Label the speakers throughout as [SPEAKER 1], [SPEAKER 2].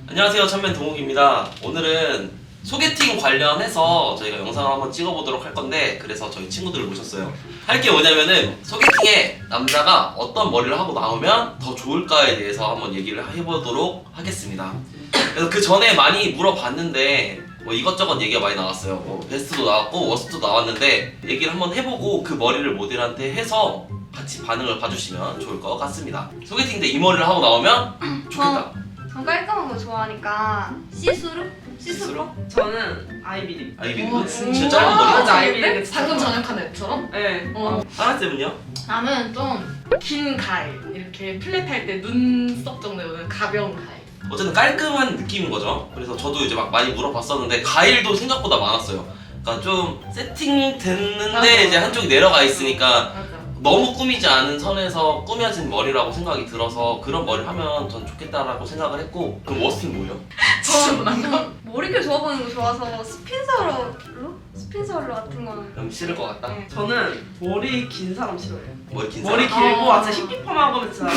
[SPEAKER 1] 안녕하세요, 천맨 동욱입니다. 오늘은 소개팅 관련해서 저희가 영상을 한번 찍어보도록 할 건데, 그래서 저희 친구들을 모셨어요. 할 게 뭐냐면은 소개팅에 남자가 어떤 머리를 하고 나오면 더 좋을까에 대해서 한번 얘기를 해보도록 하겠습니다. 그래서 그 전에 많이 물어봤는데 뭐 이것저것 얘기가 많이 나왔어요. 뭐 베스트도 나왔고 워스트도 나왔는데 얘기를 한번 해보고 그 머리를 모델한테 해서 같이 반응을 봐주시면 좋을 것 같습니다. 소개팅 때 이 머리를 하고 나오면 좋겠다.
[SPEAKER 2] 전 깔끔한 거 좋아하니까 시스루?
[SPEAKER 1] 시스루?
[SPEAKER 3] 저는 아이비리.
[SPEAKER 1] 아이비리
[SPEAKER 2] 진짜
[SPEAKER 1] 짧은 머리.
[SPEAKER 3] 맞아, 아이비리.
[SPEAKER 4] 방금 전역한 애처럼?
[SPEAKER 3] 네.
[SPEAKER 1] 하나쌤은요?
[SPEAKER 4] 나는 좀 긴 가일, 이렇게 플랫할 때 눈썹 정도에 오는 가벼운 가일.
[SPEAKER 1] 어쨌든 깔끔한 느낌인 거죠. 그래서 저도 이제 막 많이 물어봤었는데 가일도 생각보다 많았어요. 그러니까 좀 세팅됐는데
[SPEAKER 4] 맞아.
[SPEAKER 1] 이제 한쪽이 내려가 있으니까
[SPEAKER 4] 맞아.
[SPEAKER 1] 너무 꾸미지 않은 선에서 꾸며진 머리라고 생각이 들어서 그런 머리를 하면 전 좋겠다라고 생각을 했고. 그럼 워스트는 뭐예요?
[SPEAKER 4] 저는
[SPEAKER 2] 머릿결 좋아 보이는 거 좋아서 스핀서로? 스핀서로 같은 거는
[SPEAKER 1] 그럼 싫을 것 같다?
[SPEAKER 2] 네.
[SPEAKER 3] 저는 머리 긴 사람 싫어해요.
[SPEAKER 1] 머리 긴
[SPEAKER 3] 머리
[SPEAKER 1] 사람?
[SPEAKER 3] 길고
[SPEAKER 4] 아.
[SPEAKER 3] 진짜 히피펌하고 진짜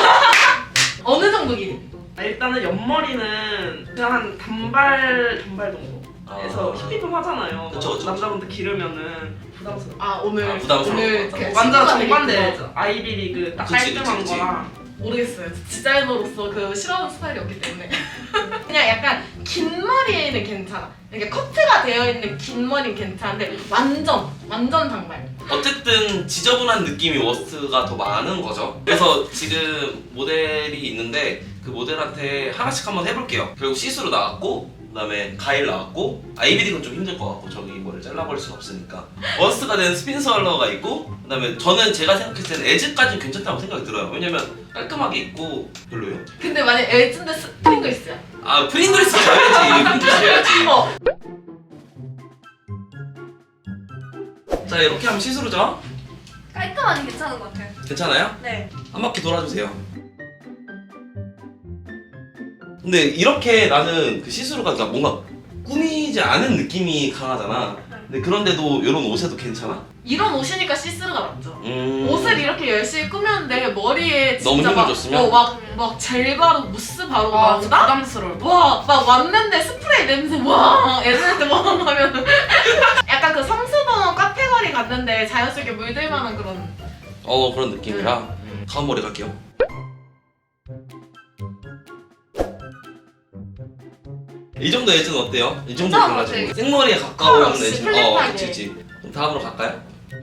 [SPEAKER 4] 어느 정도 길이?
[SPEAKER 3] 일단은 옆머리는 그냥 한 단발 정도. 그래서 히피펌 하잖아요.
[SPEAKER 1] 그쵸.
[SPEAKER 3] 남자분들 기르면은 부담스러워.
[SPEAKER 4] 아 오늘
[SPEAKER 1] 부담스러워.
[SPEAKER 4] 오늘
[SPEAKER 1] 맞아.
[SPEAKER 4] 그
[SPEAKER 3] 완전
[SPEAKER 4] 친구가
[SPEAKER 3] 정반대죠. 아이비리 딱
[SPEAKER 1] 그치,
[SPEAKER 3] 깔끔한
[SPEAKER 1] 그치.
[SPEAKER 3] 거랑.
[SPEAKER 4] 모르겠어요. 디자이너로서 그 싫어하는 스타일이 없기 때문에 그냥 약간 긴 머리에는 괜찮아. 그러니까 커트가 되어 있는 긴 머리는 괜찮은데 완전 단발.
[SPEAKER 1] 어쨌든 지저분한 느낌이 워스트가 더 많은 거죠. 그래서 지금 모델이 있는데 그 모델한테 하나씩 한번 해볼게요. 결국 시스루 나왔고, 그 다음에 가일 나왔고, 아이비딩은 좀 힘들 것 같고 저기 이거를 잘라버릴 수는 없으니까 워스트가 된 스핀설러가 있고, 그 다음에 저는 제가 생각했을 때는 에즈까지는 괜찮다고 생각이 들어요. 왜냐면 깔끔하게 있고. 별로예요?
[SPEAKER 4] 근데 만약 에즈인데 스프링글스야.
[SPEAKER 1] 아, 프링글스 줘야지. 프링글스 줘야지.
[SPEAKER 4] 어.
[SPEAKER 1] 자, 이렇게 하면 시스루죠?
[SPEAKER 2] 깔끔하니 괜찮은 것 같아요.
[SPEAKER 1] 괜찮아요?
[SPEAKER 2] 네.
[SPEAKER 1] 한 바퀴 돌아주세요. 근데 이렇게 나는 그 시스루가 그러니까 뭔가 꾸미지 않은 느낌이 강하잖아. 근데 그런데도 이런 옷에도 괜찮아?
[SPEAKER 4] 이런 옷이니까 시스루가 낫죠.
[SPEAKER 1] 음...
[SPEAKER 4] 옷을 이렇게 열심히 꾸몄는데 머리에
[SPEAKER 1] 너무
[SPEAKER 4] 진짜
[SPEAKER 1] 힘을
[SPEAKER 4] 막,
[SPEAKER 1] 줬으면?
[SPEAKER 4] 막 젤 바르고 무스 바르고
[SPEAKER 3] 아, 진짜
[SPEAKER 4] 나온다?
[SPEAKER 3] 부담스러울 것
[SPEAKER 4] 와, 막 왔는데 스프레이 냄새 와 애들한테 와 하면 약간 그 성수동 카페거리 갔는데 자연스럽게 물들 만한 그런.
[SPEAKER 1] 그런 느낌이라 다음 머리 갈게요. 이 정도 에즈는 어때요? 이 정도
[SPEAKER 2] 괜찮은 것
[SPEAKER 1] 골라주고
[SPEAKER 2] 같아.
[SPEAKER 1] 생머리에 가까운
[SPEAKER 4] 없이
[SPEAKER 1] 에즈.
[SPEAKER 4] 플랫하게.
[SPEAKER 1] 그치. 그럼 다음으로 갈까요?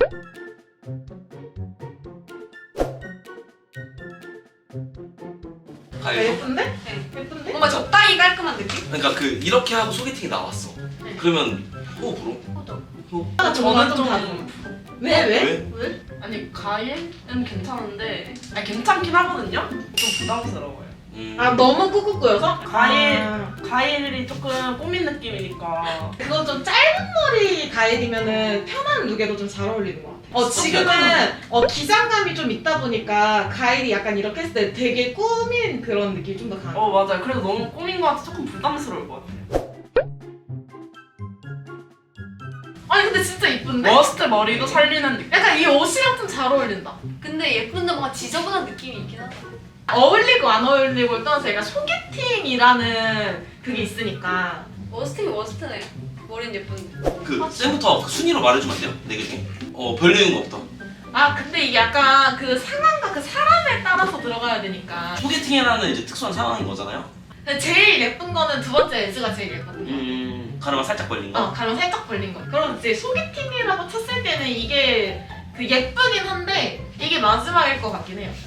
[SPEAKER 1] 가요?
[SPEAKER 4] 예쁜데?
[SPEAKER 2] 네.
[SPEAKER 4] 예쁜데?
[SPEAKER 2] 뭔가 적당히 깔끔한 느낌?
[SPEAKER 1] 그러니까 그 이렇게 하고 소개팅이 나왔어.
[SPEAKER 4] 네.
[SPEAKER 1] 그러면 호흡으로?
[SPEAKER 3] 저는 좀
[SPEAKER 4] 왜?
[SPEAKER 1] 왜?
[SPEAKER 4] 왜?
[SPEAKER 3] 아니 가일은 괜찮은데 아니 괜찮긴 하거든요? 좀 부담스러워요.
[SPEAKER 4] 아 너무 꾹꾹 꼬여서?
[SPEAKER 3] 가일이 조금 꾸민 느낌이니까.
[SPEAKER 4] 그거 좀 짧은 머리 가일이면은 편한 룩에도 좀 잘 어울리는 것 같아. 지금은 기장감이 좀 있다 보니까 가일이 약간 이렇게 했을 때 되게 꾸민 그런 느낌이 좀 더 강해.
[SPEAKER 3] 맞아요. 그래서 너무 꾸민 것 같아 조금 부담스러울 것 같아요.
[SPEAKER 4] 아니 근데 진짜 이쁜데?
[SPEAKER 3] 워스트 머리도 살리는 느낌.
[SPEAKER 4] 약간 이 옷이랑 좀 잘 어울린다.
[SPEAKER 2] 근데 예쁜데 뭔가 지저분한 느낌이 있긴 하다.
[SPEAKER 4] 어울리고 안 어울리고를 떠나서 약간 소개팅이라는 그게 있으니까.
[SPEAKER 2] 워스트긴 워스트네. 머리는 예쁜데.
[SPEAKER 1] 그 쌤부터 그 순위로 말해주면 안 돼요? 네 개 중에? 별로인 것부터.
[SPEAKER 4] 아 근데 이게 약간 그 상황과 그 사람에 따라서 들어가야 되니까.
[SPEAKER 1] 소개팅이라는 이제 특수한 상황인 거잖아요.
[SPEAKER 4] 근데 제일 예쁜 거는 두 번째 에즈가 제일 예거든요.
[SPEAKER 1] 가르마 살짝 벌린 거.
[SPEAKER 4] 가령 살짝 벌린 거. 그럼 이제 소개팅이라고 쳤을 때는 이게 그 예쁘긴 한데 이게 마지막일 것 같긴 해요.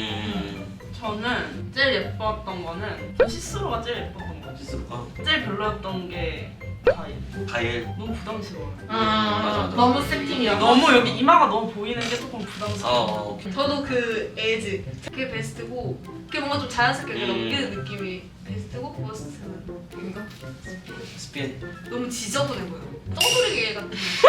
[SPEAKER 3] 저는 제일 예뻤던 거는 시스루가 제일 예뻤던 거.
[SPEAKER 1] 시스루가
[SPEAKER 3] 제일 별로였던 게 가일.
[SPEAKER 1] 가일.
[SPEAKER 3] 너무 부담스러워요.
[SPEAKER 1] 맞아.
[SPEAKER 4] 너무 세팅이야.
[SPEAKER 3] 너무 여기 이마가 너무 보이는 게 조금 부담스러워.
[SPEAKER 1] 오케이.
[SPEAKER 4] 저도 그 에즈.
[SPEAKER 2] 그게 베스트고 그게 뭔가 좀 자연스럽게
[SPEAKER 1] 음.
[SPEAKER 2] 넘기는 느낌이 베스트고 워스트는
[SPEAKER 4] 뭔가?
[SPEAKER 1] 스핀.
[SPEAKER 2] 너무 지저분해 보여. 똥소리개 같은.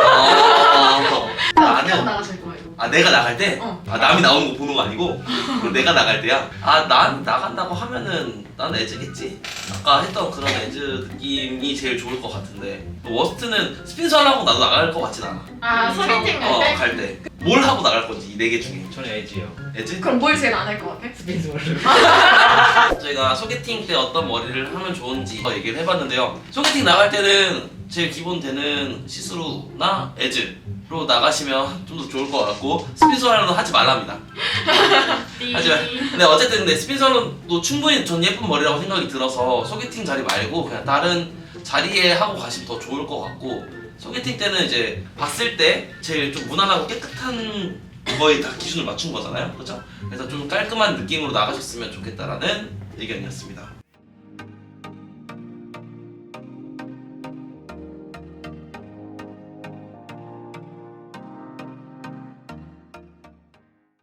[SPEAKER 1] 나는
[SPEAKER 4] 나가실 거예요.
[SPEAKER 1] 내가 나갈 때?
[SPEAKER 4] 어.
[SPEAKER 1] 남이 나오는 거 보는 거 아니고 그럼 내가 나갈 때야? 난 나간다고 하면은 난 에즈겠지. 아까 했던 그런 에즈 느낌이 제일 좋을 것 같은데 워스트는 스핀서 하려고 나도 나갈 것 같진 않아.
[SPEAKER 4] 소개팅 갈 때?
[SPEAKER 1] 갈 때. 뭘 하고 나갈 건지 이 4개 중에.
[SPEAKER 5] 저는 에지요.
[SPEAKER 1] 에즈?
[SPEAKER 2] 그럼 뭘 제일 안 할 것 같아?
[SPEAKER 5] 스피스월로.
[SPEAKER 1] 저희가 소개팅 때 어떤 머리를 하면 좋은지 얘기를 해봤는데요. 소개팅 나갈 때는 제일 기본 되는 시스루나 에즈로 나가시면 좀 더 좋을 것 같고 스피스월로는 하지 말랍니다. 하지만 근데 어쨌든 근데 스피스월로도 충분히 전 예쁜 머리라고 생각이 들어서 소개팅 자리 말고 그냥 다른 자리에 하고 가시면 더 좋을 것 같고 소개팅 때는 이제 봤을 때 제일 좀 무난하고 깨끗한 거에 다 기준을 맞춘 거잖아요, 그렇죠? 그래서 좀 깔끔한 느낌으로 나가셨으면 좋겠다라는 의견이었습니다.